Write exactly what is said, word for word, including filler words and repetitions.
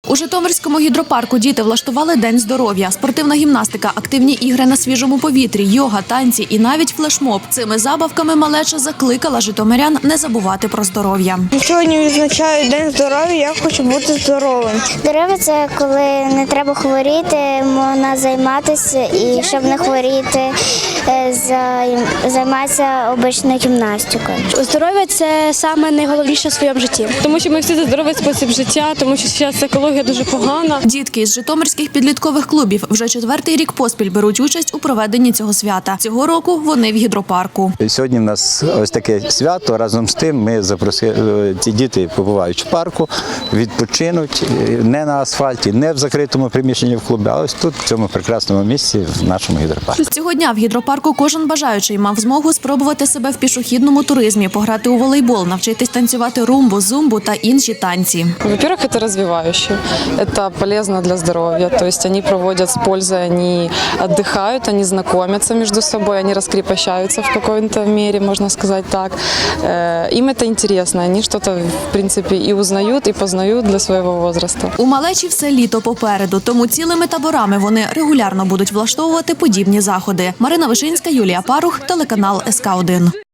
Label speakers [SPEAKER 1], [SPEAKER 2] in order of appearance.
[SPEAKER 1] У Житомирському гідропарку діти влаштували День здоров'я. Спортивна гімнастика, активні ігри на свіжому повітрі, йога, танці і навіть флешмоб. Цими забавками малеча закликала житомирян не забувати про здоров'я.
[SPEAKER 2] Сьогодні відзначаю День здоров'я, я хочу бути здоровим.
[SPEAKER 3] Здоров'я – це коли не треба хворіти, можна займатися і щоб не хворіти, займатися обичною гімнастикою.
[SPEAKER 4] Здоров'я – це саме найголовніше в своєму житті. Тому що ми всі за здоровий спосіб життя, тому що зараз екологія дуже погана.
[SPEAKER 1] Дітки з житомирських підліткових клубів вже четвертий рік поспіль беруть участь у проведенні цього свята. Цього року вони в гідропарку.
[SPEAKER 5] Сьогодні в нас ось таке свято. Разом з тим ми запросили, ці діти побувають в парку, відпочинуть не на асфальті, не в закритому приміщенні в клубі, а ось тут, в цьому прекрасному місці, в нашому гідропарку.
[SPEAKER 1] Цього дня в гідропарку кожен бажаючий мав змогу спробувати себе в пішохідному туризмі, пограти у волейбол, навчитись танцювати румбу, зумбу та інші танці.
[SPEAKER 6] Во-первых, это развивающе, это полезно для здоровья, то есть они проводят с пользой, они отдыхают, они знакомятся между собой, они раскрепощаются в какой-то мере, можно сказать так. Им это интересно, они что-то, в принципе, и узнают, и познают для своего возраста.
[SPEAKER 1] У малечі все літо попереду, тому цілими таборами вони регулярно будуть влаштовувати подібні заходи. Марина Вишинська, Юлія Парух, телеканал ес ка один.